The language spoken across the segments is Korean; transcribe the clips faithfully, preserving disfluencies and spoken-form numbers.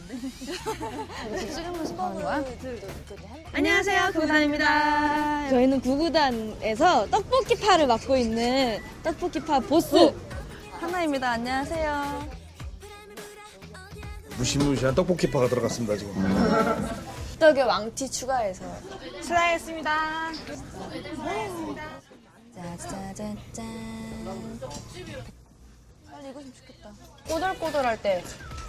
찍으면서 가는 거야? 안녕하세요, 구구단입니다. 저희는 구구단에서 떡볶이파를 맡고 있는 떡볶이파 보스 하나입니다. 안녕하세요. 무시무시한 떡볶이파가 들어갔습니다 지금. 떡에 왕티 추가해서 수고하셨습니다. 짜자자잔. 빨리 익었으면 좋겠다. 꼬들꼬들할 때.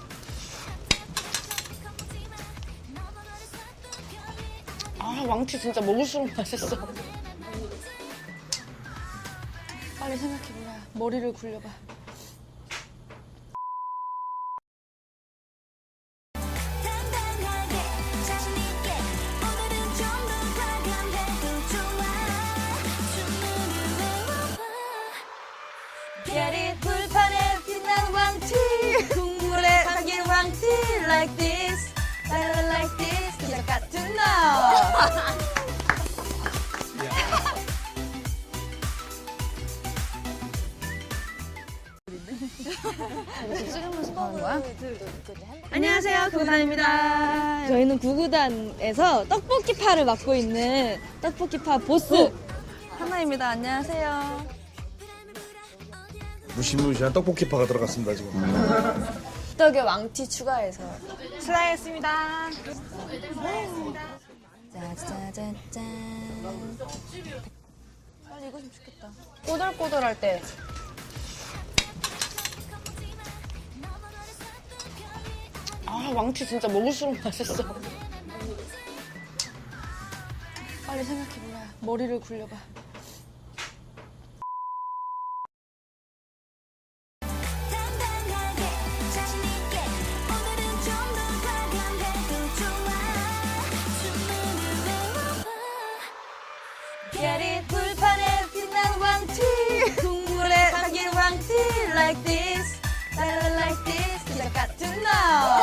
아, 왕티 진짜 먹을수록 맛있어. 빨리 생각해보라. 머리를 굴려봐. 별이 불판에 빛난 왕티 국물에 담긴 왕티 like this like this 기적 같은 너. 찍으면서 가는 거야? 안녕하세요, 구구단입니다. 저희는 구구단에서 떡볶이파를 맡고 있는 떡볶이파 보스 하나입니다. 안녕하세요. 무시무시한 떡볶이파가 들어갔습니다 지금. 떡에 왕티 추가해서 수고하셨습니다. 짜자자잔. 빨리 익었으면 좋겠다. 꼬들꼬들할 때. 아, 왕티 진짜 먹을수록 맛있어. 빨리 생각해보라. 머리를 굴려봐. 별이 불판에 빛난 왕티 국물에 담긴 왕티 like this like this 기적 같은 너.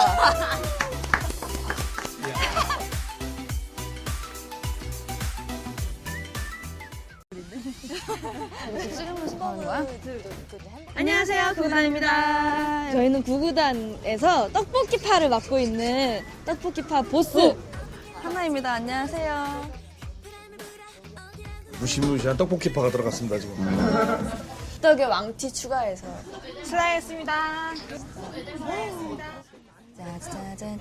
찍으면서 가는 거야? 안녕하세요, 구구단입니다. 저희는 구구단에서 떡볶이파를 맡고 있는 떡볶이파 보스 하나입니다. 안녕하세요. 무시무시한 떡볶이파가 들어갔습니다 지금. 떡에 왕티 추가해서 수고하셨습니다. 짜자자잔.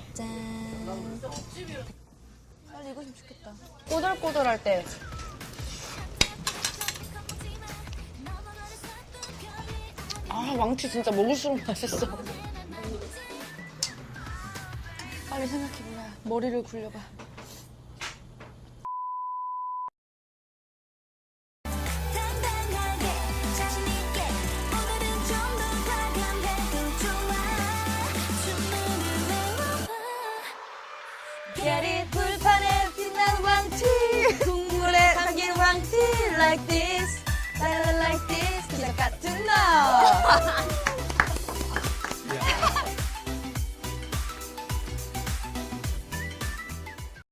빨리 익었으면 좋겠다. 꼬들꼬들할 때. 아, 왕티 진짜 먹을수록 맛있어. 빨리 생각해보라. 머리를 굴려봐. 별이 불판에 빛난 왕티 국물에 담긴 왕티 like this like this 기적 같은 너.